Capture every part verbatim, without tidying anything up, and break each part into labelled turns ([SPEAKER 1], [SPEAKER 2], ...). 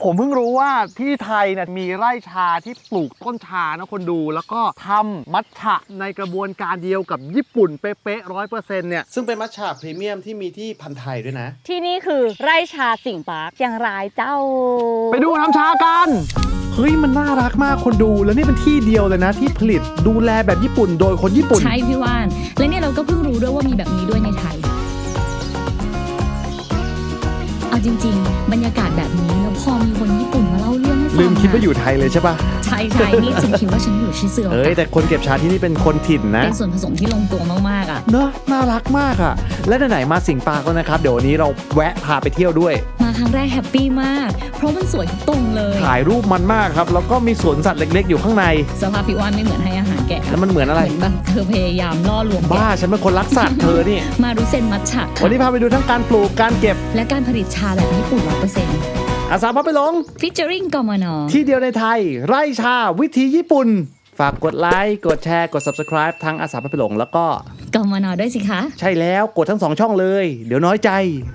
[SPEAKER 1] ผมเพิ่งรู้ว่าที่ไทยเนี่ยมีไร่ชาที่ปลูกต้นชานะคนดูแล้วก็ทำมัทฉะในกระบวนการเดียวกับญี่ปุ่นเป๊ะๆร้อยเปอร์เซ็นต์เนี่ยซึ่งเป็นมัทฉะพรีเมียมที่มีที่พันธุ์ไทยด้วยนะ
[SPEAKER 2] ที่นี่คือไร่ชาสิงห์ปาร์คเชียงรายเจ้า
[SPEAKER 1] ไปดูทำชากันเฮ้ยมันน่ารักมากคนดูแล้วนี่เป็นที่เดียวเลยนะที่ผลิตดูแลแบบญี่ปุ่นโดยคนญี่ปุ่น
[SPEAKER 3] ใช่พี่ว่านและเนี่ยเราก็เพิ่งรู้ด้วยว่ามีแบบนี้ด้วยในไทยเอาจริงๆบรรยากาศแบบนี้แล้วพอมีคนญี่ปุ่นมาเล่าเรื่องให้ฟัง
[SPEAKER 1] ลืมคิดว่าอยู่ไทยเลยใช่ปะ
[SPEAKER 3] ใช่ใช่นี่ฉันคิดว่าฉันอยู่ชิซึโอกะ
[SPEAKER 1] เฮ้ยแต่คนเก็บชาที่นี่เป็นคนถิ่นนะ
[SPEAKER 3] เป็นส่วนผสมที่ลงตัวมากๆอ่ะ
[SPEAKER 1] เนอะน่ารักมากอ่ะและไหนๆมาสิงห์ปาร์คแล้วนะครับเดี๋ยววันนี้เราแวะพาไปเที่ยวด้วย
[SPEAKER 3] มาครั้งแรกแฮปปี้มากเพราะมันสวยทุกตรงเลย
[SPEAKER 1] ถ่ายรูปมันมากครับแล้วก็มีสวนสัตว์เล็กๆอยู่ข้างใน
[SPEAKER 3] สภาพพี่ว่านไม่เหมือนให้อาหารแกะ
[SPEAKER 1] แล้วมันเหมือนอะไร
[SPEAKER 3] เหมือนแบบเธอพยายามล่อลวง
[SPEAKER 1] บ้าฉันเป็นคนรักสัตว์เธอนี่
[SPEAKER 3] มารุเซนมัทฉะ
[SPEAKER 1] วันนี้พาไปดูทั้งการปลูกการเก็บ
[SPEAKER 3] และการผลิตชาแบบญี่ปุ่น ร้อยเปอร์เซ็นต์
[SPEAKER 1] อาสาพาไปหลง
[SPEAKER 3] ฟิชเจอริงกมน.
[SPEAKER 1] ที่เดียวในไทยไร่ชาวิธีญี่ปุ่นฝากกดไลค์กดแชร์กด ซับสไครบ์ ทั้งอาสาพาไปหลงแล้วก็
[SPEAKER 3] กมน.ด้วยสิคะ
[SPEAKER 1] ใช่แล้วกดทั้งสองช่องเลยเดี๋ยวน้อยใจ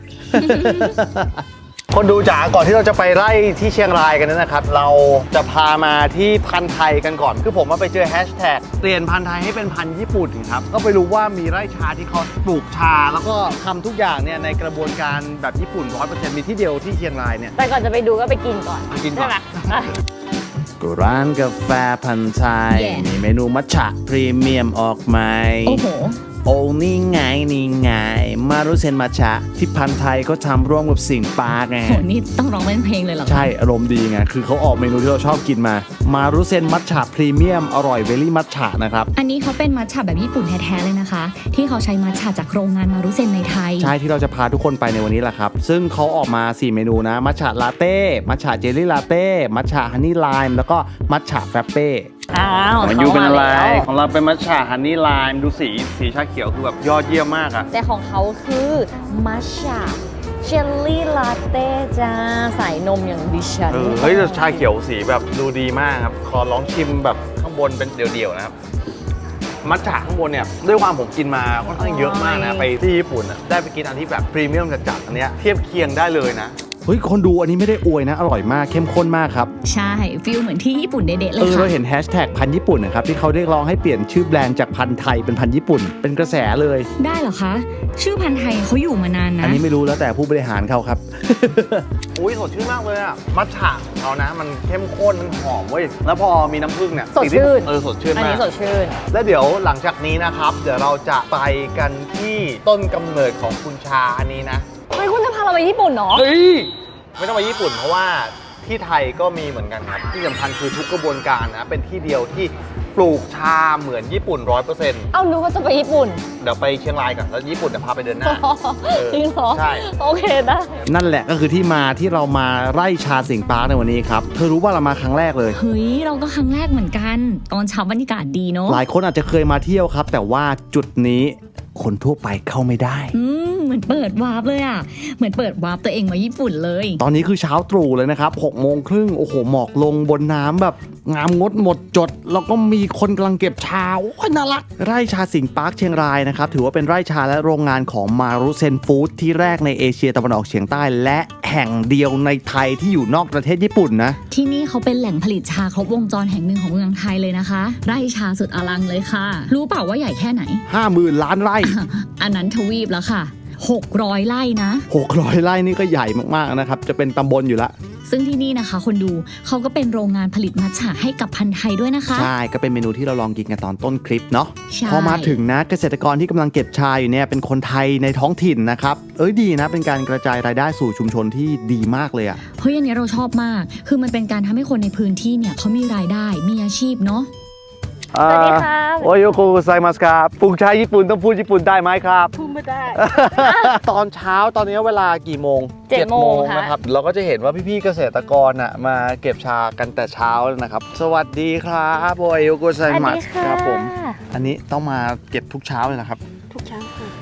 [SPEAKER 1] คนดูจ๋าก่อนที่เราจะไปไล่ที่เชียงรายกันนะครับเราจะพามาที่พันธุ์ไทยกันก่อนคือผมมาไปเจอแฮชแท็กเปลี่ยนพันธุ์ไทยให้เป็นพันธุ์ญี่ปุ่นครับก็ไปรู้ว่ามีไร่ชาที่เขาปลูกชาแล้วก็ทำทุกอย่างเนี่ยในกระบวนการแบบญี่ปุ่น ร้อยเปอร์เซ็นต์ มีที่เดียวที่เชียงรายเนี่ย
[SPEAKER 2] แต่ก่อนจะไปดูก็ไปกินก่อน
[SPEAKER 1] กินก่อน
[SPEAKER 2] ก็
[SPEAKER 1] ร้านกาแฟพันธุ์ไทยมีเมนูมัทฉะพรีเมียมออกมา
[SPEAKER 3] โอ้โห
[SPEAKER 1] โอ้นี่ไงนี่ไงมารุเซนมัทฉะที่พันธุ์ไทยก็ทำร่วมกับสิงห์ปาร์คไง
[SPEAKER 3] โหนี่ต้องร้องเป็นเพลงเลยเหรอ
[SPEAKER 1] ใช่อารมณ์ดีไงคือเขาออกเมนูที่เราชอบกินมามารุเซนมัทฉะพรีเมียมอร่อยเวลี่มัทฉะนะครับ
[SPEAKER 3] อันนี้เขาเป็นมัทฉะแบบญี่ปุ่นแท้ๆเลยนะคะที่เขาใช้มัทฉะจากโรงงานมารุเซนในไทย
[SPEAKER 1] ใช่ที่เราจะพาทุกคนไปในวันนี้แหละครับซึ่งเขาออกมาสี่เมนูนะมัทฉะลาเต้มัทฉะเจลลี่ลาเต้มัทฉะฮันนี่ไลม์แล้วก็มัทฉะแฟรปเป้
[SPEAKER 2] อ้าว
[SPEAKER 1] ของยูเป็นอะไรของเราเป็นมัทฉะฮันนี่ไลม์ดูสีสีชาเขียวคือแบบยอดเยี่ยมมากอะ
[SPEAKER 2] แต่ของเขาคือมัทฉะเจลลี่ลาเต้จ้าใส่นมอย่างดิฉัน
[SPEAKER 1] เฮ้ยชาเขียวสีแบบดูดีมากครับขอลองชิมแบบข้างบนเป็นเดี่ยวๆนะครับมัทฉะข้างบนเนี่ยด้วยความผมกินมาค่อนข้างเยอะมากนะไปที่ญี่ปุ่นได้ไปกินอันที่แบบพรีเมียมจัดๆอันเนี้ยเทียบเคียงได้เลยนะเฮ้ยคนดูอันนี้ไม่ได้อวยนะอร่อยมากเข้มข้นมากครับ
[SPEAKER 3] ใช่ฟิลเหมือนที่ญี่ปุ่นเด็ดๆเลยค่ะ
[SPEAKER 1] เออเราเห็นแฮชแท็กพันธุ์ญี่ปุ่นนะครับที่เขาเรียกร้องให้เปลี่ยนชื่อแบรนด์จากพันธุ์ไทยเป็นพันธุ์ญี่ปุ่นเป็นกระแสเลย
[SPEAKER 3] ได้เหรอคะชื่อพันธุ์ไทยเขาอยู่มานานนะ
[SPEAKER 1] อันนี้ไม่รู้แล้วแต่ผู้บริหารเขาครับอุ้ยสดชื่นมากเลยอะมัทฉะของเขานะมันเข้มข้นมันหอมเว้ยแล้วพอมีน้ำผึ้งเนี่ย
[SPEAKER 2] สดชื่น
[SPEAKER 1] เออสดชื่นมาก
[SPEAKER 2] อันนี้สดชื่น
[SPEAKER 1] แล้วเดี๋ยวหลังจากนี้นะครับเดี๋ยวเราจะไปกันที่ต้นกำเนิดของคุณชาอันนี้นะ
[SPEAKER 2] เฮ้ยคุณจะพาเราไปญี่ปุ่นเนาะ
[SPEAKER 1] เฮ้ยไม่ต้องไปญี่ปุ่นเพราะว่าที่ไทยก็มีเหมือนกันครับที่สำคัญคือทุกกระบวนการนะเป็นที่เดียวที่ปลูกชาเหมือนญี่ปุ่น ร้อยเปอร์เซ็นต์
[SPEAKER 2] เอานึกว่าจะไปญี่ปุ่น
[SPEAKER 1] เดี๋ยวไปเชียงรายก่อนแล้วญี่ปุ่นจะพาไปเดินหน้า
[SPEAKER 2] จริงเหรอ
[SPEAKER 1] ใช่
[SPEAKER 2] โอเคได้
[SPEAKER 1] นั่นแหละก็คือที่มาที่เรามาไร่ชาสิงห์ปาร์คในวันนี้ครับเธอรู้ว่าเรามาครั้งแรกเลย
[SPEAKER 3] เฮ้ยเราก็ครั้งแรกเหมือนกันตอนเช้าบรรยากาศดีเนาะ
[SPEAKER 1] หลายคนอาจจะเคยมาเที่ยวครับแต่ว่าจุดนี้คนทั่วไปเข้าไม่ได้
[SPEAKER 3] อืมเหมือนเปิดวาร์ปเลยอ่ะเหมือนเปิดวาร์ปตัวเองมาญี่ปุ่นเลย
[SPEAKER 1] ตอนนี้คือเช้าตรู่เลยนะครับหกโมงครึ่งโอ้โหหมอกลงบนน้ำแบบงามงดหมดจดแล้วก็มีคนกำลังเก็บชาโอ้ยน่ารักไร่ชาสิงห์ปาร์คเชียงรายนะครับถือว่าเป็นไร่ชาและโรงงานของมารุเซนฟู้ดที่แรกในเอเชียตะวันออกเฉียงใต้และแห่งเดียวในไทยที่อยู่นอกประเทศญี่ปุ่นนะ
[SPEAKER 3] ที่นี่เขาเป็นแหล่งผลิตชาครบวงจรแห่งหนึ่งของเมืองไทยเลยนะคะไร่ชาสุดอลังเลยค่ะรู้เปล่าว่าใหญ่แค่ไหน
[SPEAKER 1] ห้าหมื่น ล้านไร่
[SPEAKER 3] อันนั้นทวีปแล้วค่ะหกร้อยไร่นะ
[SPEAKER 1] หกร้อยไร่นี่ก็ใหญ่มากๆนะครับจะเป็นตำบลอยู่ละ
[SPEAKER 3] ซึ่งที่นี่นะคะคนดูเขาก็เป็นโรงงานผลิตมัทฉะให้กับพันธุ์ไทยด้วยนะคะ
[SPEAKER 1] ใช่ก็เป็นเมนูที่เราลองกินกันตอนต้นคลิปเนาะพอมาถึงนะเกษตรกรที่กำลังเก็บชาอยู่เนี่ยเป็นคนไทยในท้องถิ่นนะครับเอ้ยดีนะเป็นการกระจายรายได้สู่ชุมชนที่ดีมากเลยอะ
[SPEAKER 3] เฮ้ยอันนี้เราชอบมากคือมันเป็นการทำให้คนในพื้นที่เนี่ยเขามีรายได้มีอาชีพเนาะ
[SPEAKER 2] สวัสดีค่ะ
[SPEAKER 1] โอโยโกไซมัสครับปลูกชาญี่ปุ่นต้องพูดญี่ปุ่นได้ไหมครับ
[SPEAKER 2] พูดไม่ได้
[SPEAKER 1] ตอนเช้าตอนนี้เวลากี่โมง
[SPEAKER 2] เจ็ดโมง
[SPEAKER 1] นะครับเราก็จะเห็นว่าพี่ๆเกษตรกรน่ะมาเก็บชากันแต่เช้าแล้วนะครับสวัสดีครับโอโยโกไซมัสครับผมอันนี้ต้องมาเก็บทุกเช้าเลยนะครับ
[SPEAKER 2] ทุกเช้าค่ะ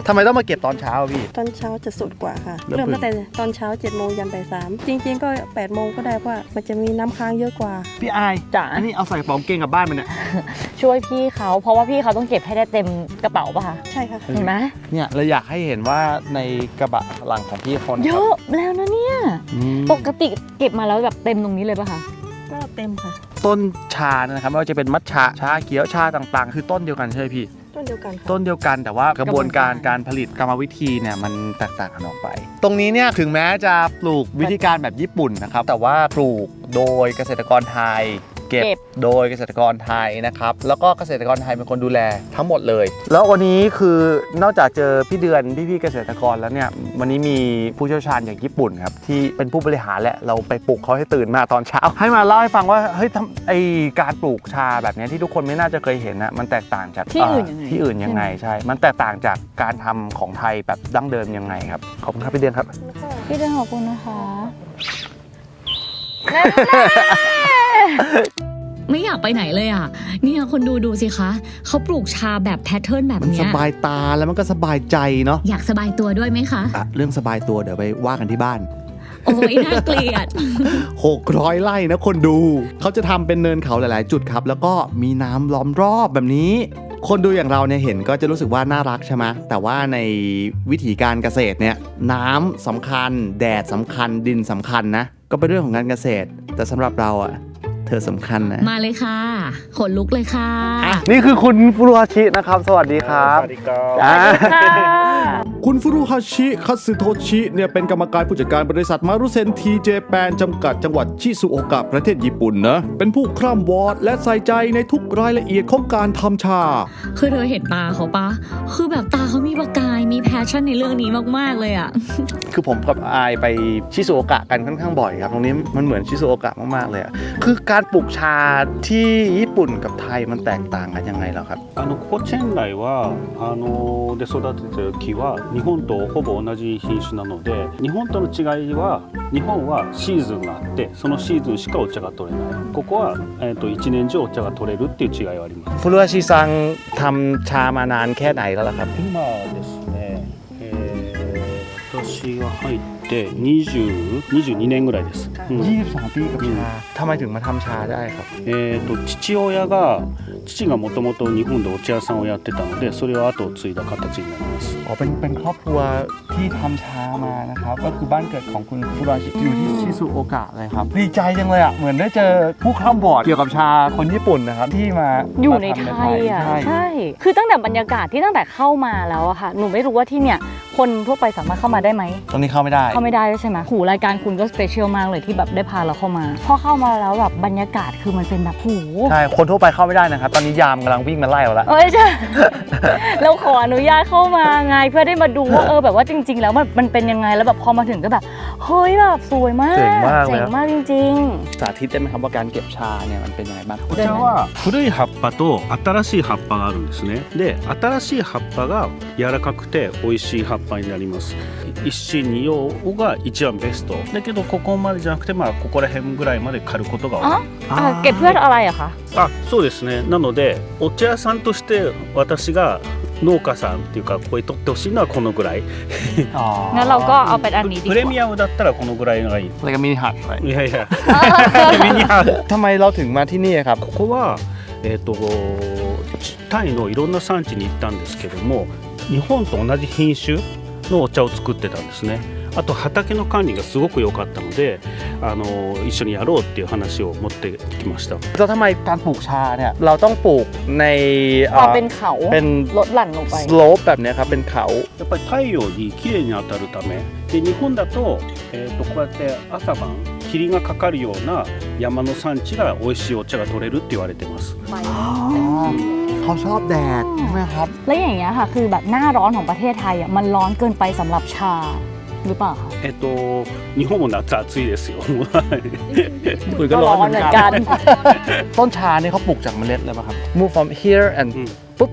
[SPEAKER 1] ทำไมต้องมาเก็บตอนเช้าอะพี่
[SPEAKER 4] ตอนเช้าจะสุดกว่าค่ะ
[SPEAKER 1] เริ่ม
[SPEAKER 4] เริ่มตั้งแต่ตอนเช้าเจ็ดโมงยันบ่ายสามจริงๆก็แปดโมงก็ได้เพราะว่ามันจะมีน้ำค้างเยอะกว่า
[SPEAKER 1] พี่อาย
[SPEAKER 2] จ๋า
[SPEAKER 1] อันนี้เอาใส่กระเป๋ากางเกงกลับบ้านมันเนี่ย
[SPEAKER 2] ช่วยพี่เขาเพราะว่าพี่เขาต้องเก็บให้ได้เต็มกระเป๋าป่ะคะ
[SPEAKER 4] ใช่ค่ะ
[SPEAKER 2] เห็นไหม
[SPEAKER 1] เนี่ยเราอยากให้เห็นว่าในกระบะหลังของพี่เขานะ
[SPEAKER 2] เย
[SPEAKER 1] ครับ
[SPEAKER 2] อะแล้วนะเนี่ย
[SPEAKER 1] อืม
[SPEAKER 2] ปกติเก็บมาแล้วแบบเต็มตรงนี้เลยป่ะคะ
[SPEAKER 4] ก็เต็มค่ะ
[SPEAKER 1] ต้นชานะครับไม่ว่าจะเป็นมัทฉะชาเขียวชาต่างๆ คือต้นเดียวกันใช่ไหมพี่
[SPEAKER 4] ต้นเดียวกันค่ะ
[SPEAKER 1] ต้นเดียวกันแต่ว่ากระบวนการการผลิตกรรมวิธีเนี่ยมันแตกต่างกันออกไป ตรงนี้เนี่ยถึงแม้จะปลูกวิธีการแบบญี่ปุ่นนะครับแต่ว่าปลูกโดยเกษตรกรไทย เก็บ
[SPEAKER 2] เก็บ
[SPEAKER 1] โดยเกษตรกรไทยนะครับแล้วก็เกษตรกรไทยเป็นคนดูแลทั้งหมดเลย แล้ววันนี้คือนอกจากเจอพี่เดือนพี่ๆเกษตรกรแล้วเนี่ยวันนี้มีผู้เชี่ยวชาญอย่างญี่ปุ่นครับที่เป็นผู้บริหารแหละเราไปปลุกเขาให้ตื่นมาตอนเช้า ให้มาเล่าให้ฟังว่าเฮ้ยทำไอการปลูกชาแบบเนี้ยที่ทุกคนไม่น่าจะเคยเห็นนะมันแตกต่างจาก
[SPEAKER 2] ที่อื่นยังไง
[SPEAKER 1] ที่อื่นยังไงใช่ มันแตกต่างจากการทำของไทยแบบดั้งเดิมยังไงครับ ขอบคุณครับพี่เดือนครับ
[SPEAKER 4] แล้วก็
[SPEAKER 2] พี่เดินขอบคุณนะคะ
[SPEAKER 3] ไม่อยากไปไหนเลยอ่ะเนี่ยคนดูดูสิคะเขาปลูกชาแบบแพทเทิร์นแบบ
[SPEAKER 1] มัน
[SPEAKER 3] เนี้
[SPEAKER 1] ส
[SPEAKER 3] ย
[SPEAKER 1] บายตาแล้วมันก็สบายใจเนาะ
[SPEAKER 3] อยากสบายตัวด้วยไหมคะ
[SPEAKER 1] อ่ะเรื่องสบายตัวเดี๋ยวไปว่ากันที่บ้าน
[SPEAKER 3] โอ้ยน่าเกลียด
[SPEAKER 1] หกร้อยไร่นะคนดู เขาจะทำเป็นเนินเขาหลาย ๆ จุดครับ แล้วก็มีน้ำล้อมรอบแบบนี้ คนดูอย่างเราเนี่ยเห็นก็จะรู้สึกว่าน่ารักใช่ไหมแต่ว่าในวิถีการเกษตรเนี่ยน้ำสำคัญ แดดสำคัญดินสำคัญนะ ก็เป็นเรื่องของการเกษตร แต่สำหรับเราอ่ะเธอสำคัญนะ
[SPEAKER 3] มาเลยค่ะขนลุกเลยค่ะ
[SPEAKER 1] นี่คือคุณฟุรุฮาชินะครับ สวัสดีครับ
[SPEAKER 5] สวัสดีครับ
[SPEAKER 1] อ่า
[SPEAKER 2] ค่ะ
[SPEAKER 1] คุณฟุรุฮาชิคัตสึโทชิเนี่ยเป็นกรรมการผู้จัดการบริษัทมารุเซนทีเจแปนจำกัดจังหวัดชิซุโอกะประเทศญี่ปุ่นนะเป็นผู้คร่ำวอดและใส่ใจในทุกรายละเอียดของการทำชา
[SPEAKER 3] คือเธอเห็นตาเขาปะคือแบบตาเขามีประกายมีแพชชั่นในเรื่องนี้มากๆเลยอ่ะ
[SPEAKER 1] คือผมกับอายไปชิซุโอกะกันค่อนข้างบ่อยครับตรงนี้มันเหมือนชิซุโอกะมากๆเลยอะคือการปลูกชาที่ญี่ปุ่นกับไทยมันแตกต่างกันยังไงเหรอครับ
[SPEAKER 5] あのここチェンライはあので育ててる木は日本とほぼ同じ品種なので日本との違いは日本はシーズンがあってそのシーズンしかお茶が取れないここは、えー、と一年中お茶が取れるっていう違いはあります
[SPEAKER 1] ฟุรุฮาชิซังทำชามานานแค่ไหนแล้วล่ะครับ
[SPEAKER 5] 今ですね、えー、私が入ってにじゅう、にじゅうにねんぐらいです、うん
[SPEAKER 1] ยี่สิบสองปีกับชาทำไมถึงมาทำชาได้ครับ
[SPEAKER 5] えー、と父親が父がもともと日本でお茶屋さんをやってたのでそれを後を継いだ形になります
[SPEAKER 1] อ๋อเป็นเป็นครอบครัวที่ทำชามานะครับก็คือบ้านเกิดของคุณฟุรุฮาชิอยู่ที่ชิซุโอกะเลยครับดีใจจังเลยอ่ะเหมือนได้เจอผู้คร่ำวอดเกี่ยวกับชาคนญี่ปุ่นนะครับที่มา
[SPEAKER 2] อยู่ใน
[SPEAKER 1] มาทำ
[SPEAKER 2] ไทยอ่ะ
[SPEAKER 1] ใช่
[SPEAKER 2] ใช่ คือตั้งแต่บรรยากาศที่ตั้งแต่เข้ามาแล้วอะค่ะ หนูไม่รู้ว่าที่เนี่ยคนทั่วไปสามารถเข้ามาได้ไหม
[SPEAKER 1] ตรงนี้เข้าไม่ได้
[SPEAKER 2] เข้าไม่ได้ด้วยใช่ไหมหูรายการคุณก็สเปเชียลมากเลยที่แบบได้พาเราเข้ามา พอเข้ามาแล้วแบบบรรยากาศคือมันเป็นแบบหู
[SPEAKER 1] ใช่คนทั่วไปเข้าไม่ได้นะครับตอนนี้ยามกำลังวิ่งมาไล่เราแล้ว
[SPEAKER 2] เอ้ยใช่ เราขออนุญาตเข้ามาไงเพื่อได้มาดูว่าเออแบบว่าจริง ๆ แล้วมันมันเป็นยังไงแล้วแบบพอมาถึงก็แบบเฮ้ยแบบสวยมาก
[SPEAKER 1] เจ๋งมากเลย
[SPEAKER 2] เจ๋งมากจริง
[SPEAKER 1] สาธิตได้ไหมครับว่าการเก็บชาเนี่ยมันเป็นยังไงบ้าง
[SPEAKER 5] お茶は古い葉っぱと新しい葉っぱがあるんですねで新しい葉っぱが柔らかくて美味しい葉っぱになります一芯二葉が一番ベストだけどここまでじゃなくてまあここら辺ぐらいまで刈ることが
[SPEAKER 2] ๆ
[SPEAKER 5] 多
[SPEAKER 2] อ๋อ
[SPEAKER 5] い
[SPEAKER 2] อ่ะเก็บเพื่ออะไรอะคะ
[SPEAKER 5] あそうですねなのでお茶屋さんとして私が農家さんっていうかここに取ってほしいのはこのぐらい
[SPEAKER 1] อ๋อ
[SPEAKER 2] งั้นเราก็เอาเป็นอันนี้ดีก
[SPEAKER 5] プレ
[SPEAKER 2] ว่า
[SPEAKER 5] ミアムだったらこのぐらいのがいい
[SPEAKER 1] อะไรกันมินิฮัท
[SPEAKER 5] いやいやミニハーフ
[SPEAKER 1] ทำไมเราถึงมาที่นี่ครับ
[SPEAKER 5] ここは、えー、とタイのいろんな産地に行ったんですけども日本と同じ品種のお茶を作ってたんですねあと畑の管理がすごく良かったのであの一緒にやろうっていう話を持ってきました
[SPEAKER 1] แล้วทำไมการปลูกชาเนี่ยเราต้องปลูกใน
[SPEAKER 2] พอเป็นเขา
[SPEAKER 1] เป็น
[SPEAKER 2] ลดหลั่นลงไป
[SPEAKER 1] สโลปแบบเนี้ยครับเป็นเขา
[SPEAKER 5] やっぱり太陽にきれいに当たるためで日本だと,、えー、とこうやって朝晩霧がかかるような山の産地が美味しいお茶が取れるって言われてます
[SPEAKER 1] เขาชอบแดดใช่ไหมครับ
[SPEAKER 2] แล้วอย่างเงี้ยค่ะคือแบบหน้าร้อนของประเทศไทยอ่ะมันร้อนเกินไปสำหรับชาหรือเปล่าคะ
[SPEAKER 5] えっ、と日本も夏暑いですよ
[SPEAKER 1] คุยก็
[SPEAKER 2] ก็
[SPEAKER 1] ร้
[SPEAKER 2] ร้
[SPEAKER 1] อ
[SPEAKER 2] อน น
[SPEAKER 1] เห
[SPEAKER 2] เห
[SPEAKER 1] มื
[SPEAKER 2] มื
[SPEAKER 1] อ
[SPEAKER 2] อน น
[SPEAKER 1] กั
[SPEAKER 2] กัน น
[SPEAKER 1] ต้นชานี่เขาปลูกจากเมล็ดเลยป่ะครับ move from here and
[SPEAKER 5] うん
[SPEAKER 1] ปุ๊บ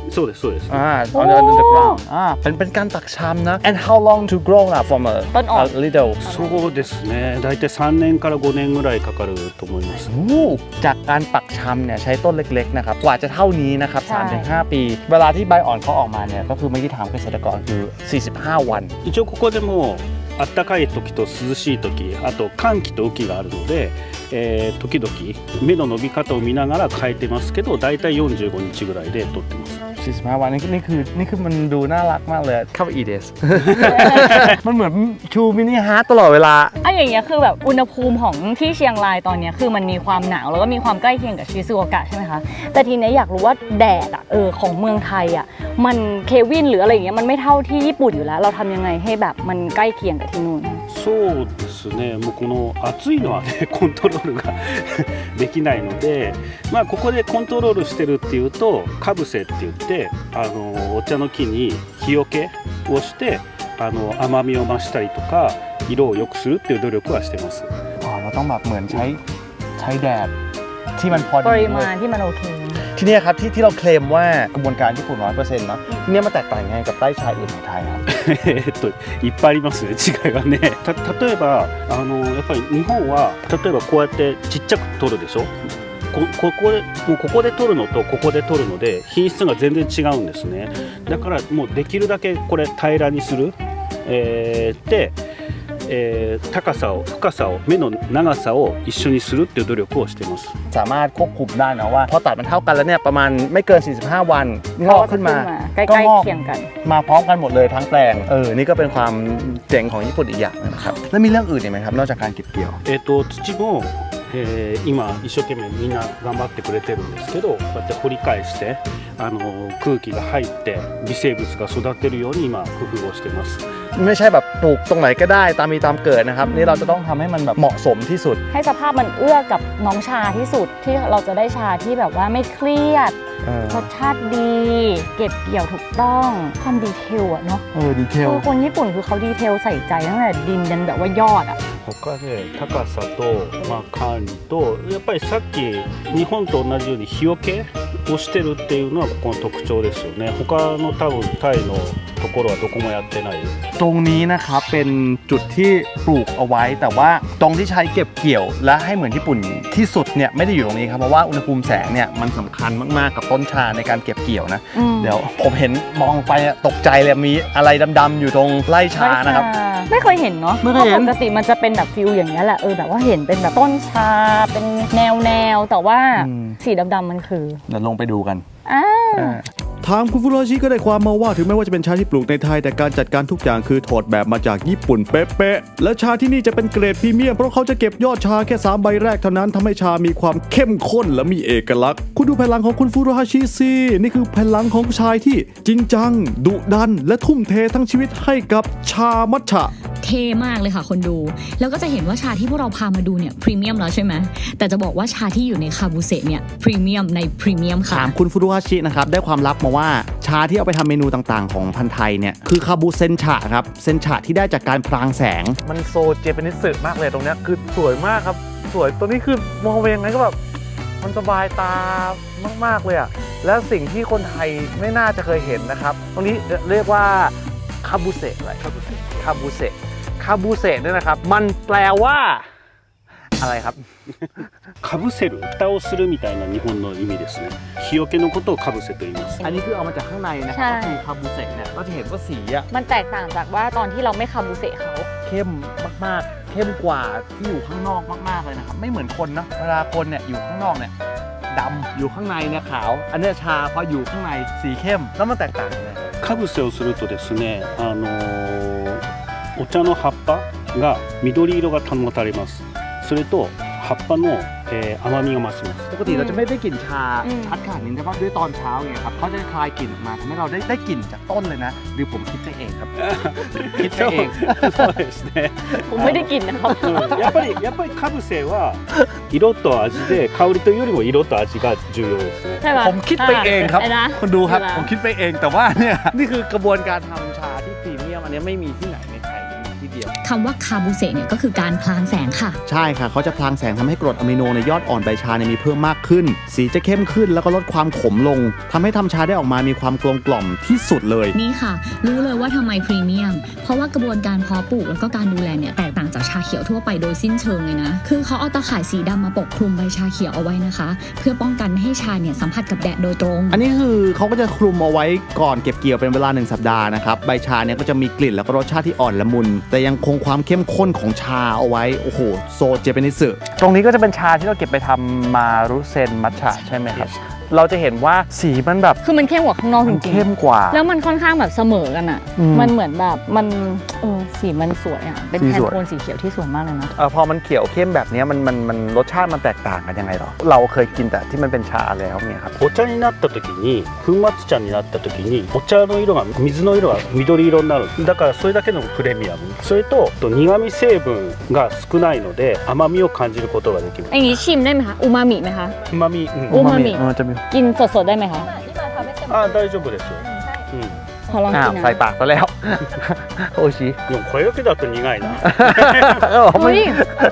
[SPEAKER 5] そうですそうです。
[SPEAKER 1] อ่า on the underground อ่าเป็นเป็นการตักชามนะ and how long to grow up from a
[SPEAKER 2] ต้นอ่อน
[SPEAKER 1] a little
[SPEAKER 5] そうですね。だいたいさんねんからごねんぐらいかかると思います。
[SPEAKER 1] โอ้จากการปักชำเนี่ยใช้ต้นเล็กๆนะครับกว่าจะเท่านี้นะครับ
[SPEAKER 2] ใช่
[SPEAKER 1] สามถึงห้า ปี เวลาที่ใบอ่อนเขาออกมาเนี่ยก็คือเมื่อกี้ถามเกษตรกรคือสี่สิบห้าวัน
[SPEAKER 5] 一応ここでも暖かい時と涼しい時、あと寒気と雨季があるので、えー、時々芽の伸び方を見ながら変えてますけど、だいたいよんじゅうごにちぐらいで取ってます。
[SPEAKER 1] สี่สิบห้า วันนี่นี่คือนี่คือมันดูน่ารักมากเลยเข้าไปอีเดส มันเหมือนชูมินิฮาร์ตตลอดเวลา
[SPEAKER 2] อ่ะอย่างเงี้ยคือแบบอุณหภูมิของที่เชียงรายตอนเนี้ยคือมันมีความหนาวแล้วก็มีความใกล้เคียงกับชิซูโอกะใช่ไหมคะแต่ทีเนี้ยอยากรู้ว่าแดดอ่ะเออของเมืองไทยอ่ะมันเควินหรืออะไรอย่างเงี้ยมันไม่เท่าที่ญี่ปุ่นอยู่แล้วเราทำยังไงให้แบบมันใกล้เคียงกับที่นู่น
[SPEAKER 5] そうですね。もうこの暑いのはねコントロールができないので、まあここでコントロールしてるっていうとかぶせって言ってあのお茶の木に日よけをしてあの甘みを増したりとか色を良くするっていう努力はしてます。
[SPEAKER 1] อ๋อเราต้องแบบเหมือนใช้ใช้แดดที่มันพอ
[SPEAKER 2] ป
[SPEAKER 1] ดี
[SPEAKER 2] ริมาณที่มันโอเค
[SPEAKER 1] ที่นี่ครับที่ที่เราเคลมว่ากระบวนการญี่ปุ่น ร้อยเปอร์เซ็นต์ เนาะที่นี่มันแตกต่างยังไงกับไร่ชาอื่นในไทยครับ
[SPEAKER 5] えっといっぱいありますね違いはね。た例えばあのやっぱり日本は例えばこうやってちっちゃく取るでしょ。こここでもうここで取るのとここで取るので品質が全然違うんですね。だからもうできるだけこれ平らにする、えー、で、えー、高さを深さを目の長さを一緒にするっていう努力をしています。
[SPEAKER 1] สามารถควบคุมได้นะว่าพอตัดมันเท่ากันแล้วเนี่ยประมาณไม่เกินสี่สิบห้าวันงอกขึ้นมา
[SPEAKER 2] ใกล้
[SPEAKER 1] ก็
[SPEAKER 2] ๆ
[SPEAKER 1] งอก
[SPEAKER 2] เคียงกัน
[SPEAKER 1] มาพร้อมกันหมดเลยทั้งแปลงเออนี่ก็เป็นความเจ๋งของญี่ปุ่นอีกอย่างนะครับแล้วมีเรื่องอื่นอีกไหมครับนอกจากการเก็บเกี่ยว
[SPEAKER 5] えー、と土も、えー、今一生懸命みんな頑張ってくれてるんですけどこうやって掘り返してあの空気が入って微生物が育てるように今工夫をしてます。
[SPEAKER 1] ไม่ใช่แบบปลูกตรงไหนก็ได้ตามมีตามเกิดนะครับนี่เราจะต้องทำให้มันแบบเหมาะสมที่สุด
[SPEAKER 2] ให้สภาพมันเอื้อกับน้องชาที่สุดที่เราจะได้ชาที่แบบว่าไม่เครียด
[SPEAKER 1] เออ
[SPEAKER 2] รสชาติดี เก็บเกี่ยวถูกต้องความดีเทลอะเนาะ
[SPEAKER 1] เออดีเทล
[SPEAKER 2] คือคนญี่ปุ่นคือเขาดีเทลใส่ใจตั้งแต่ดินยันแบบว่ายอดอะ
[SPEAKER 5] 他で高さと、まあ、管理とやっぱりさっき日本と同じように日よけをしてるっていうのはここの特徴ですよね。他の多分タイのところはどこもやってない。
[SPEAKER 1] ตรงนี้นะครับเป็นจุดที่ปลูกเอาไว้แต่ว่าตรงที่ใช้เก็บเกี่ยวและให้เหมือนญี่ปุ่นที่สุดเนี่ยไม่ได้อยู่ตรงนี้ครับเพราะว่าอุณหภูมิแสงเนี่ยมันสำคัญมากๆกับต้นชาในการเก็บเกี่ยวนะ
[SPEAKER 2] อืม
[SPEAKER 1] เดี๋ยวผมเห็นมองไปอะตกใจเลยมีอะไรดำๆอยู่ตรงไร่ชานะครับ
[SPEAKER 2] ไม่เคยเห็นเนาะ
[SPEAKER 1] ไม่เคยเห็น
[SPEAKER 2] พราะปกติมันจะเป็นแบบฟิลอย่างนี้ยแหละเออแบบว่าเห็นเป็นแบบต้นชาเป็นแนวแนวๆแต่ว่า
[SPEAKER 1] อืม
[SPEAKER 2] สีดำๆมันคือ
[SPEAKER 1] เดี๋ยวลงไปดูกัน
[SPEAKER 2] อ่า
[SPEAKER 1] ทางคุณฟุโรชิก็ได้ความมาว่าถึงแม้ว่าจะเป็นชาที่ปลูกในไทยแต่การจัดการทุกอย่างคือถอดแบบมาจากญี่ปุ่นเป๊ะๆและชาที่นี่จะเป็นเกรดพรีเมียมเพราะเขาจะเก็บยอดชาแค่สามใบแรกเท่านั้นทำให้ชามีความเข้มข้นและมีเอกลักษณ์คุณดูพลังของคุณฟุโรชิสินี่คือพลังของชายที่จริงจังดุดันและทุ่มเททั้งชีวิตให้กับชามัทฉะ
[SPEAKER 3] เท่มากเลยค่ะคนดู แล้วก็จะเห็นว่าชาที่พวกเราพามาดูเนี่ยพรีเมียมแล้วใช่ไหมแต่จะบอกว่าชาที่อยู่ในคาบูเซเนี่ยพรีเมียมในพรีเมียมค่ะ
[SPEAKER 1] ถามคุณฟุรุฮาชินะครับได้ความลับมาว่าชาที่เอาไปทำเมนูต่างๆของพันธุ์ไทยเนี่ยคือคาบูเซนชะครับเซนชะที่ได้จากการพรางแสงมันโซเจแปนิสึมากเลยตรงเนี้ยคือสวยมากครับสวยตัวนี้คือมองไปยังไงก็แบบมันสบายตามากๆเลยอ่ะแล้วสิ่งที่คนไทยไม่น่าจะเคยเห็นนะครับตรงนี้เรียกว่าคาบูเซอะไรคาบูเซคาบูเซคาบูเซเนี่ยนะครับมันแปลว่าอะไรครับ
[SPEAKER 5] かぶせる蓋をするみたいな日本の意味ですね。日よけのことをかぶせと言います。
[SPEAKER 1] อันนี้คือเอามาจากข้างในนะครับก็คือคาบูเซเนี่ยก็จะเห็นว่าสีอ่ะ
[SPEAKER 2] มันแตกต่างจากว่าตอนที่เราไม่คาบูเซะเขา
[SPEAKER 1] เข้มมากๆเข้มกว่าที่อยู่ข้างนอกมากๆเลยนะครับไม่เหมือนคนนะเวลาคนเนี่ยอยู่ข้างนอกเนี่ยดำอยู่ข้างในเนี่ยขาวอันเนี้ยชาพออยู่ข้างในสีเข้มแล้วมันแตกต่างกันเลย
[SPEAKER 5] かぶせをするとですね、あのーお茶の葉っぱが緑色が保たれます。それと葉っぱの、えー、甘みが増します。
[SPEAKER 1] ปกติเราจะไม่ได้กลิ่นชาชัดขนาดนี้แต่ว่าด้วยตอนเช้าไงครับเขาจะคลายกลิ่นออกมาทำให้เราได้ได้กลิ่นจากต้นเลยนะหรือผมคิดไปเองครับ คิดไป
[SPEAKER 5] そう
[SPEAKER 1] เอง
[SPEAKER 5] そうですね。
[SPEAKER 2] ผมไม่ได้กินนะครับ
[SPEAKER 5] うんやっぱりやっぱりかぶせは色と味で香りというよりも色と味が重要ですね。
[SPEAKER 2] ใช่ไหม
[SPEAKER 1] ผมคิดไปเองครับ
[SPEAKER 2] ไนะ
[SPEAKER 1] คุณดูครับ
[SPEAKER 2] ใช่ไห
[SPEAKER 1] ผมคิดไปเองแต่ว่าเนี่ยนี่คือกระบวนการทำชาที่พรีเมียมอันนี้ไม่มีที่ไหนในไทยมีที่เดียว
[SPEAKER 3] คำว่าคาบูเซเนี่ยก็คือการพลางแสงค่ะ
[SPEAKER 1] ใช่ค่ะเขาจะพลางแสงทำให้กรดอะมิโนในยอดอ่อนใบชาเนี่ยมีเพิ่มมากขึ้น สีจะเข้มขึ้นแล้วก็ลดความขมลงทำให้ทำชาได้ออกมามีความกลมกล่อมที่สุดเลย
[SPEAKER 3] นี่ค่ะรู้เลยว่าทำไมพรีเมียมเพราะว่ากระบวนการเพาะปลูกแล้วก็การดูแลเนี่ยแตกต่างจากชาเขียวทั่วไปโดยสิ้นเชิงเลยนะคือเขาเอาตะข่ายสีดำมาปกคลุมใบชาเขียวเอาไว้นะคะเพื่อป้องกันไม่ให้ชาเนี่ยสัมผัสกับแดดโดยตรง
[SPEAKER 1] อันนี้คือเขาก็จะคลุมเอาไว้ก่อนเก็บเกี่ยวเป็นเวลาหนึ่งสัปดาห์นะครับใบชาเนี่ยก็จะมีกลิ่นแล้วก็รสชาติที่อ่อนละมุนแต่ยังคงความเข้มข้นของชาเอาไว้โอ้โหโซเจแปนิสึ
[SPEAKER 6] ตรงนี้ก็จะเป็นชาที่เราเก็บไปทำมารุเซนมัทฉะใช่ไหมครับเราจะเห็นว่าสีมันแบบ
[SPEAKER 2] คือมันเข้มกว่าข้างนอกจริงๆ
[SPEAKER 6] เข้มกว่า
[SPEAKER 2] แล้วมันค่อนข้างแบบเสมอกันอ่ะมันเหมือนแบบมันเออสีมันสวยอ่ะเป็นแทนโทนสีเขียวที่สวยมากเลยนะ
[SPEAKER 6] เออพอมันเขียวเข้มแบบนี้มันมันมันรสชาติมันแตกต่างกันยังไงหรอเราเคยกินแต่ที่มันเป็นชาแล้วเนี่ยครับ
[SPEAKER 5] お茶になった時に粉末茶になった時にお茶の色が水の色が緑色になるだからそれだけのプレミアムそれと苦味成分が少ないので甘みを感じることができる
[SPEAKER 2] อย่างนี้ชิมได้ไหมคะอูมามิไหมคะ
[SPEAKER 5] うまみ
[SPEAKER 2] อูมามิ
[SPEAKER 6] จะมี
[SPEAKER 2] กินสดๆได้ไหมคะ
[SPEAKER 5] あ大丈夫ですうん
[SPEAKER 2] ขอลองกินนะ
[SPEAKER 6] ใส่ปากซะแล้วโอชิ
[SPEAKER 5] でもこれだけだと苦いな
[SPEAKER 2] เฮ้ย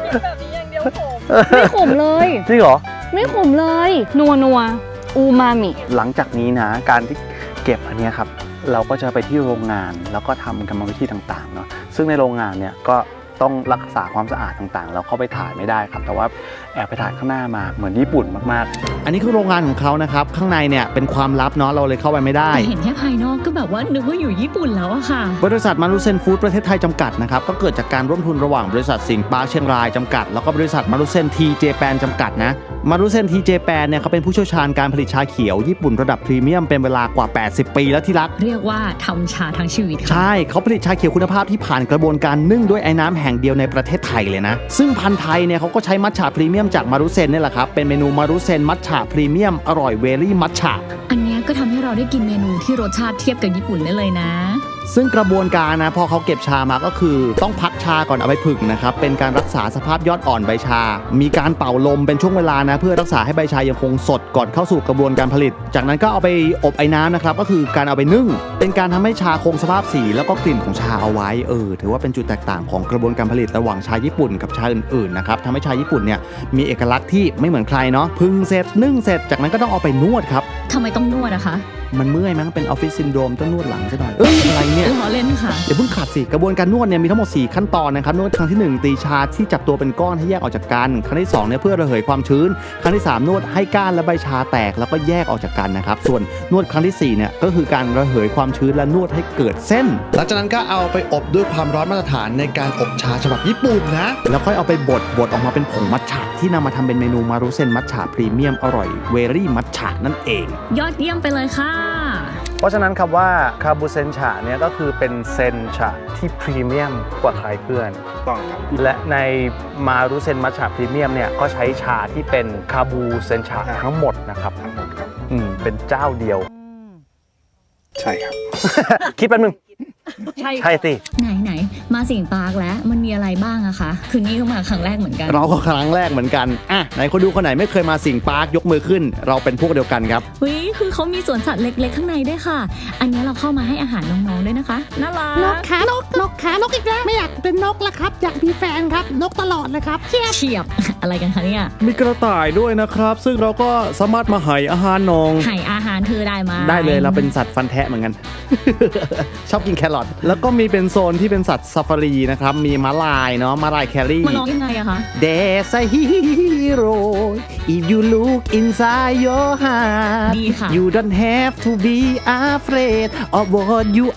[SPEAKER 2] ไม่ขมเลย
[SPEAKER 6] จริงเหรอ
[SPEAKER 2] ไม่ขมเลยนัวนัวอูมามิ
[SPEAKER 6] หลังจากนี้นะการที่เก็บอันนี้ครับเราก็จะไปที่โรงงานแล้วก็ทำกรรมวิธีต่างๆเนาะซึ่งในโรงงานเนี่ยก็ต้องรักษาความสะอาดต่างๆเราเข้าไปถ่ายไม่ได้ครับแต่ว่าแอบไปถ่ายข้างหน้ามาเหมือนญี่ปุ่นมาก
[SPEAKER 1] ๆอันนี้คือโรงงานของเขานะครับข้างในเนี่ยเป็นความลับเนาะเราเลยเข้าไปไม่ได้
[SPEAKER 3] แต่เห็นแค่ภายนอกก็แบบว่านึกว่าอยู่ญี่ปุ่นแล้วอะค่ะ
[SPEAKER 1] บริษัทมารุเซนฟู้ดประเทศไทยจำกัดนะครับก็เกิดจากการร่วมทุนระหว่างบริษัทสิงห์ปาร์คเชียงรายจำกัดแล้วก็บริษัทมารุเซนทีเจแปนจำกัดนะมารุเซนทีเจแปนเนี่ยเขาเป็นผู้เชี่ยวชาญการผลิตชาเขียวญี่ปุ่นระดับพรีเมียมเป็นเวลากว่าแปดสิบปีแล้วที่รัก
[SPEAKER 3] เรียกว่าทำชาทั้งชีวิต
[SPEAKER 1] ใช่เขาผลิตชาเขียวคุณภาพที่ผ่านกระบวนการนึ่งด้วยไอ้น้ำแห่งเดียวในประเทศไทยเลยนะซึ่งพันธุ์ไทยเนี่ยเขาก็ใช้มัทฉะพรีเมียมจากมารุเซนนี่แหละครับเป็นเมนูมารุเซนมัทฉะพรีเมียมอร่อยเวรี่มัทฉะ
[SPEAKER 3] อันนี้ก็ทำให้เราได้กินเมนูที่รสชาติเทียบกับญี่ปุ่นได้เลยนะ
[SPEAKER 1] ซึ่งกระบวนการนะพอเขาเก็บชามาก็คือต้องพักชาก่อนเอาไปผึ่งนะครับเป็นการรักษาสภาพยอดอ่อนใบชามีการเป่าลมเป็นช่วงเวลานะเพื่อรักษาให้ใบชายังคงสดก่อนเข้าสู่กระบวนการผลิตจากนั้นก็เอาไปอบไอ้น้ำนะครับก็คือการเอาไปนึ่งเป็นการทำให้ชาคงสภาพสีแล้วก็กลิ่นของชาเอาไว้เออถือว่าเป็นจุดแตกต่างของกระบวนการผลิตระหว่างชาญี่ปุ่นกับชาอื่นๆนะครับทำให้ชาญี่ปุ่นเนี่ยมีเอกลักษณ์ที่ไม่เหมือนใครเนาะผึ่งเสร็จนึ่งเสร็จจากนั้นก็ต้องเอาไปนวดครับ
[SPEAKER 3] ทำไมต้องนวดอะคะ
[SPEAKER 1] มันเมื่อยมั้งเป็นออฟฟิศซินโดรมต้องนวดหลังซะหน่อยเอ้ยอะไรเนี่ย
[SPEAKER 3] ล้อเล่นค่ะ
[SPEAKER 1] เดี๋ยวเพิ่งขาดสิกระบวนการนวดเนี่ยมีทั้งหมดสี่ขั้นตอนนะครับนวดครั้งที่หนึ่งตีชาที่จับตัวเป็นก้อนให้แยกออกจากกันครั้งที่สองเนี่ยเพื่อระเหยความชื้นครั้งที่สามนวดให้ก้านและใบชาแตกแล้วก็แยกออกจากกันนะครับส่วนนวดครั้งที่สี่เนี่ยก็คือการระเหยความชื้นและนวดให้เกิดเส้นหลังจากนั้นก็เอาไปอบด้วยความร้อนมาตรฐานในการอบชาฉบับญี่ปุ่นนะแล้วค่อยเอาไปบดบดออกมาเป็นผงมัทฉะที่นำมาทำเป็นเมนูมารุเซนมัทฉะพรีเมียมอร่อยเวรี่มัทฉะนั่นเอง
[SPEAKER 3] ยอดเยี่ยมไปเลยค่ะ
[SPEAKER 6] เพราะฉะนั้นคำว่าคาบูเซนฉะเนี่ยก็คือเป็นเซนฉะที่พรีเมียมกว่าใครเพื่อน
[SPEAKER 5] ต้องครับ
[SPEAKER 6] และในมารุเซนมัทฉะพรีเมียมเนี่ยก็ใช้ชาที่เป็นคาบูเซนฉะทั้งหมดนะครับ
[SPEAKER 5] ทั้งหมดครับ
[SPEAKER 6] อืมเป็นเจ้าเดียว
[SPEAKER 5] ใช่ครับ
[SPEAKER 6] คิดแป๊บนึง
[SPEAKER 2] ใช่
[SPEAKER 6] ใช่สิ
[SPEAKER 3] ไหนไหนมาสิงห์ปาร์คแล้วมันมีอะไรบ้างอะคะคือนี่ก็มาครั้งแรกเหมือนกัน
[SPEAKER 1] เราก็ครั้งแรกเหมือนกันอ่ะไหนคนดูคนไหนไม่เคยมาสิงห์ปาร์คยกมือขึ้นเราเป็นพวกเดียวกันครับ
[SPEAKER 3] เฮ้ยคือเขามีสวนสัตว์เล็กๆข้างในด้วยค่ะอันนี้เราเข้ามาให้อาหารน้องๆด้วยนะคะน่ารัก
[SPEAKER 7] นกขานกนกขานกอีกแล้วไม่อยากเป็นนกละครับอยากมีแฟนครับนกตลอดเลยครับ
[SPEAKER 3] เฉียบเฉียบอะไรกันคะเนี่ย
[SPEAKER 1] มีกระต่ายด้วยนะครับซึ่งเราก็สามารถมาให้อาหารน้อง
[SPEAKER 3] ให้อาหารเธอได้มา
[SPEAKER 1] ได้เลยเราเป็นสัตว์ฟันแทะเหมือนกัน ชอบกินแครอทแล้วก็มีเป็นโซนที่เป็นสัตว์ซาฟารีนะครับมีม้าลายเนาะม้าลายแครี่
[SPEAKER 3] มันร้องยังไงอะคะ
[SPEAKER 1] There's a hero if you look inside your heart
[SPEAKER 3] ดีค่ะ
[SPEAKER 1] You don't have to be afraid of what you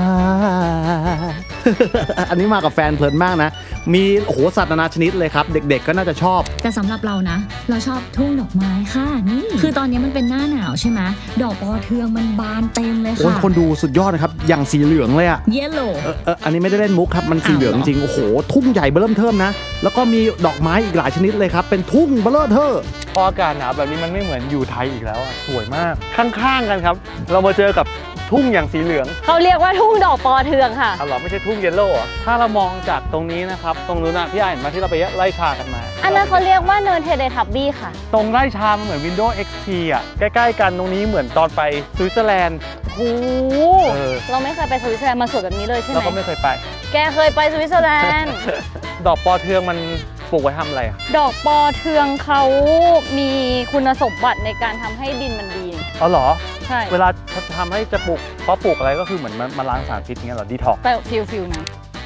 [SPEAKER 1] are อันนี้มากับแฟนเพลินมากนะมีโอ้โหสัตว์นานาชนิดเลยครับเด็กๆก็น่าจะชอบ
[SPEAKER 3] แต่สำหรับเรานะเราชอบทุ่งดอกไม้ค่ะนี่คือตอนนี้มันเป็นหน้าหนาวใช่ไหมดอกปอเทืองมันบานเต็มเลยค่ะโอ้
[SPEAKER 1] ยคนดูสุดยอดนะครับอย่างสีเหลืองเลยอะ
[SPEAKER 3] เยลโล่
[SPEAKER 1] เอออันนี้ไม่ได้เล่นมุกครับมันสีเหลืองจริงโอ้โหทุ่งใหญ่เบ้อเริ่มเทิมนะแล้วก็มีดอกไม้อีกหลายชนิดเลยครับเป็นทุ่งเบ้อเริ่มเทิม
[SPEAKER 6] พออากาศหนาวแบบนี้มันไม่เหมือนอยู่ไทยอีกแล้วอ่ะสวยมากข้างๆกันครับเรามาเจอกับทุ่งอย่างสีเหลือง
[SPEAKER 2] เขาเรียกว่าทุ่งดอกปอเทืองค่ะ
[SPEAKER 6] อ๋อเหรอไม่ใช่ทุ่งเยลโล่เหรอถ้าเรามองจากตรงนี้นะครับตรงนู้นนะพี่อ่านมาที่เราไปไล่ชากันมา
[SPEAKER 2] อันนั้นเขาเรียกว่าเนินเทเลทับบี้ค่ะ
[SPEAKER 6] ตรงไร่ชามันเหมือน Windows เอ็กซ์ พี อ่ะใกล้ๆกันตรงนี้เหมือนตอนไปสวิตเซอร์แลนด์
[SPEAKER 2] โอ้
[SPEAKER 6] เออ
[SPEAKER 2] เราไม่เคยไปสวิตเซอร์แลนด์มาสวยแบบนี้เลยใช่ไห
[SPEAKER 6] เรา
[SPEAKER 2] ม
[SPEAKER 6] ก็ไม่เคยไป
[SPEAKER 2] แกเคยไปสวิตเซอร์แลนด์
[SPEAKER 6] ดอกปอเทืองมันปลูกไว้ทำอะไรอ่ะ
[SPEAKER 2] ดอกปอเทืองเขามีคุณสมบัติในการทำให้ดินมันดี
[SPEAKER 6] อ๋อเหรอ
[SPEAKER 2] ใช่
[SPEAKER 6] เวลาทำให้จะปลูกเพราะปลูกอะไรก็คือเหมือนมันมาล้างสารพิษอย่างเงี้ยเหรอดีท็อก
[SPEAKER 2] แต่ฟิลฟิลนะ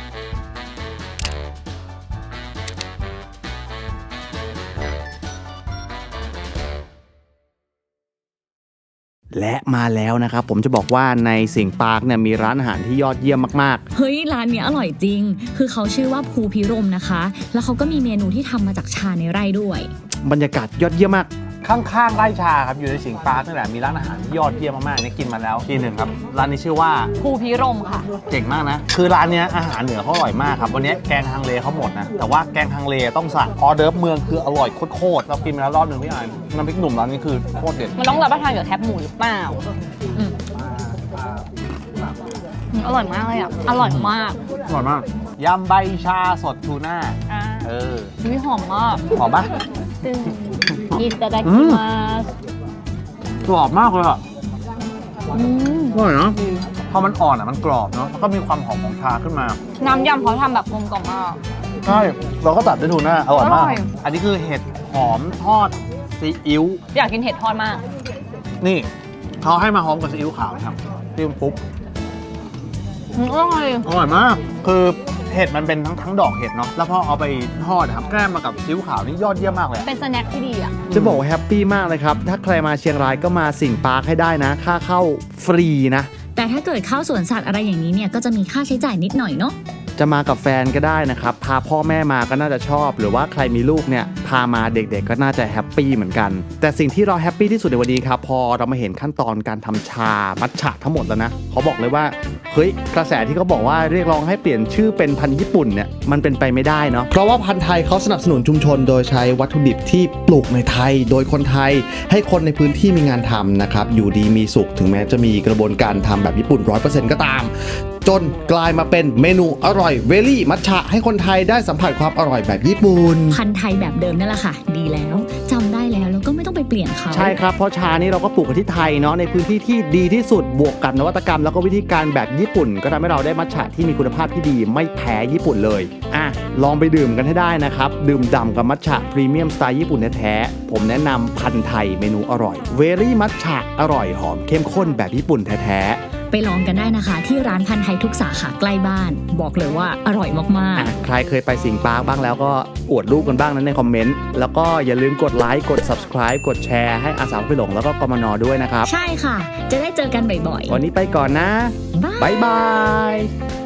[SPEAKER 1] และมาแล้วนะครับผมจะบอกว่าในสิงห์ปาร์คเนี่ยมีร้านอาหารที่ยอดเยี่ยมมาก
[SPEAKER 3] เฮ้ยร้านเนี้ยอร่อยจริง คือเขาชื่อว่าภูพิรมนะคะ แล้วเขาก็มีเมนูที่ทำมาจากชาในไร่ด้วย
[SPEAKER 1] ๆ บรรยากาศยอดเยี่ยมมาก
[SPEAKER 6] ข้างๆไร่ชาครับอยู่ในสิงห์ปาร์คนี่แหละมีร้านอาหารที่ยอดเยี่ยมมากๆเนี่ยกินมาแล้วทีหนึ่งครับร้านนี้ชื่อว่า
[SPEAKER 2] ภูพิรมค่ะ
[SPEAKER 6] เจ๋งมากนะคือร้านเนี้ยอาหารเหนือเขาอร่อยมากครับวันนี้แกงฮังเลเขาหมดนะแต่ว่าแกงฮังเลต้องสั่งออเดิร์ฟเมืองคืออร่อยโคตรๆเรากินมาแล้วรอบหนึ่งพี่อ่านน้ำพริกหนุ่มร้านนี้คือโคตรเด็ด
[SPEAKER 2] มันต้องรับประทานกับแคบหมูหรือเปล่าอืมอืมอร่อยมากเลยอ่ะ อร่อยมาก
[SPEAKER 6] อร่อยมากยำใบชาสดทูน่า
[SPEAKER 2] อ่า
[SPEAKER 6] เออ
[SPEAKER 2] วิหอมมาก
[SPEAKER 6] หอมปะ
[SPEAKER 2] ตึงอิตาดา
[SPEAKER 6] อื
[SPEAKER 2] กิ
[SPEAKER 6] ม
[SPEAKER 2] มาส
[SPEAKER 6] กรอบมากเลยอ่ะ
[SPEAKER 2] อืม
[SPEAKER 6] อร่อยเนาะพอมันอ่อนอ่ะมันกรอบเนาะแล้วก็มีความหอมของชาขึ้นมา
[SPEAKER 2] น้ำยำเขาทำแบบกลมกล่อมมาก
[SPEAKER 6] ใช่เราก็ตัดด้วยทูน่าอร่อยมาก
[SPEAKER 2] อร่อย
[SPEAKER 6] อันนี้คือเห็ดหอมทอดซีอิ๊ว
[SPEAKER 2] อยากกินเห็ดทอดมาก
[SPEAKER 6] นี่เขาให้มาหอมกับซีอิ๊วขาวนะครับจิ้มปุ๊บ
[SPEAKER 2] อืมอร่อย
[SPEAKER 6] อร่อยมาก คือเห็ดมันเป็นทั้งทั้งดอกเห็ดเนาะ แล้วพอเอาไปทอดนะครับแกล้มมากับซีอิ๊วขาวนี่ยอดเยี่ยมมากเลย
[SPEAKER 2] เป็นสแน็คที่ดีอ่ะ
[SPEAKER 1] จะบอกว่าแฮปปี้มากเลยครับ ถ้าใครมาเชียงรายก็มาสิงห์ปาร์คให้ได้นะ ค่าเข้าฟรีนะ
[SPEAKER 3] แต่ถ้าเกิดเข้าสวนสัตว์อะไรอย่างนี้เนี่ยก็จะมีค่าใช้จ่ายนิดหน่อยเนาะ
[SPEAKER 1] จะมากับแฟนก็ได้นะครับ พาพ่อแม่มาก็น่าจะชอบ หรือว่าใครมีลูกเนี่ย พามาเด็กๆก็น่าจะแฮปปี้เหมือนกัน แต่สิ่งที่เราแฮปปี้ที่สุดในวันนี้ครับ พอเรามาเห็นขั้นตอนการทำชามัทฉะทั้งหมดแล้วนะเขาบอกเลยว่าเฮ้ยกระแสที่เขาบอกว่าเรียกร้องให้เปลี่ยนชื่อเป็นพันธุ์ญี่ปุ่นเนี่ยมันเป็นไปไม่ได้เนาะเพราะว่าพันธุ์ไทยเขาสนับสนุนชุมชนโดยใช้วัตถุดิบที่ปลูกในไทย โดยคนไทยให้คนในพื้นที่มีงานทำนะครับอยู่ดีมีสุขถึงแม้จะมีกระบวนการทำแบบญี่ปุ่น ร้อยเปอร์เซ็นต์ ก็ตาม จนกลายมาเป็นเมนูอร่อยเวลี่มัทฉะให้คนไทยได้สัมผัสความอร่อยแบบญี่ปุ่น
[SPEAKER 3] พันธุ์ไทยแบบเดิมนั่นแหละค่ะ ดีแล้วจำได้แล้วแล้วก็ไม่ต้องไปเปลี่ยนเขา
[SPEAKER 1] ใช่ครับ เพราะชานี้เราก็ปลูกกันที่ไทยเนาะในพื้นที่ที่ดีที่สุดบวกกับนวัตกรรมแล้วก็วิธีการแบบญี่ปุ่น ก็ทำให้เราได้มัทฉะที่มีคุณภาพที่ดีไม่แพ้ญี่ปุ่นเลยอ่ะลองไปดื่มกันให้ได้นะครับดื่มด่ำกับมัทฉะพรีเมียมสไตล์ญี่ปุ่นแท้ๆผมแนะนำพันธุ์ไทยเมนูอร่อยเวลี่มัทฉะอร่อยหอมเข้มข้นแบบญี่ปุ่นแท้ๆ
[SPEAKER 3] ไปลองกันได้นะคะ ที่ร้านพันธุ์ไทยทุกสาขาใกล้บ้าน บอกเลยว่าอร่อยมาก
[SPEAKER 1] อ่ะใครเคยไปสิงห์ปาร์คบ้างแล้วก็อวดรูปกันบ้างนั้นในคอมเมนต์ แล้วก็อย่าลืมกดไลค์กด subscribe กดแชร์ให้อาสาไปหลงแล้วก็กมนด้วยนะครับ
[SPEAKER 3] ๆ ใช่ค่ะ จะได้เจอกันบ่อย
[SPEAKER 1] วันนี้ไปก่อนนะ
[SPEAKER 3] ๆ
[SPEAKER 1] บ๊ายบาย